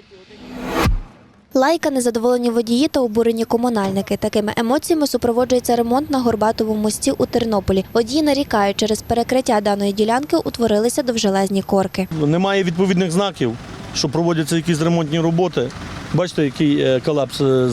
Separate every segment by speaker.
Speaker 1: Лайка, незадоволені водії та обурені комунальники. Такими емоціями супроводжується ремонт на Горбатовому мості у Тернополі. Водії нарікають, через перекриття даної ділянки утворилися довжелезні корки.
Speaker 2: Немає відповідних знаків, що проводяться якісь ремонтні роботи. Бачите, який колапс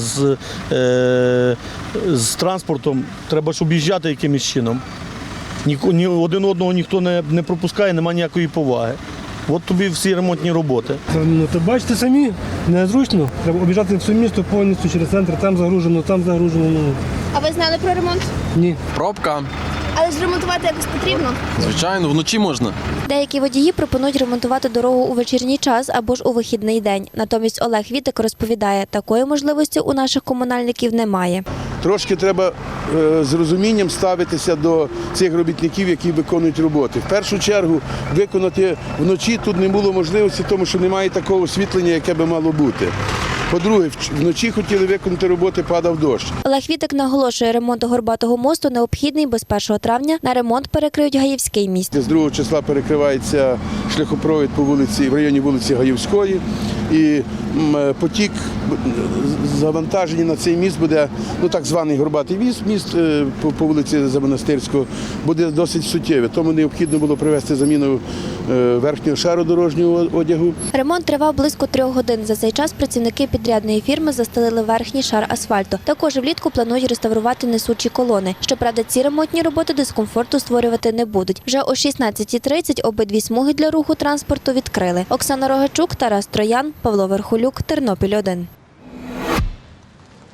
Speaker 2: з транспортом. Треба ж об'їжджати якимось чином. Ні один одного ніхто не пропускає, немає ніякої поваги. От тобі всі ремонтні роботи.
Speaker 3: То бачите самі, незручно. Треба об'їжджати все місто повністю через центр, там загружено, там загружено.
Speaker 4: А ви знали про ремонт?
Speaker 3: Ні.
Speaker 5: Пробка.
Speaker 4: Але ж ремонтувати якось потрібно.
Speaker 5: Звичайно, вночі можна.
Speaker 1: Деякі водії пропонують ремонтувати дорогу у вечірній час або ж у вихідний день. Натомість Олег Вітик розповідає, такої можливості у наших комунальників немає.
Speaker 6: Трошки треба з розумінням ставитися до цих робітників, які виконують роботи. В першу чергу виконати вночі тут не було можливості, тому що немає такого освітлення, яке би мало бути. По-друге, вночі хотіли виконати роботи, падав дощ.
Speaker 1: Олег Вітик наголошує, ремонт Горбатого мосту необхідний, бо з 1 травня на ремонт перекриють Гаївський міст.
Speaker 6: З 2 числа перекривається шляхопровід по вулиці, в районі вулиці Гаївської. І потік завантаження на цей міст буде, так званий Горбатий міст по вулиці Замонастирського, буде досить суттєвий. Тому необхідно було провести заміну верхнього шару дорожнього одягу.
Speaker 1: Ремонт тривав близько 3 годин. За цей час працівники підрядної фірми застелили верхній шар асфальту. Також влітку планують реставрувати несучі колони. Щоправда, ці ремонтні роботи дискомфорту створювати не будуть. Вже о 16:30 обидві смуги для руху транспорту відкрили. Оксана Рогачук, Тарас Троян, Павло Верхолюк, Тернопіль 1.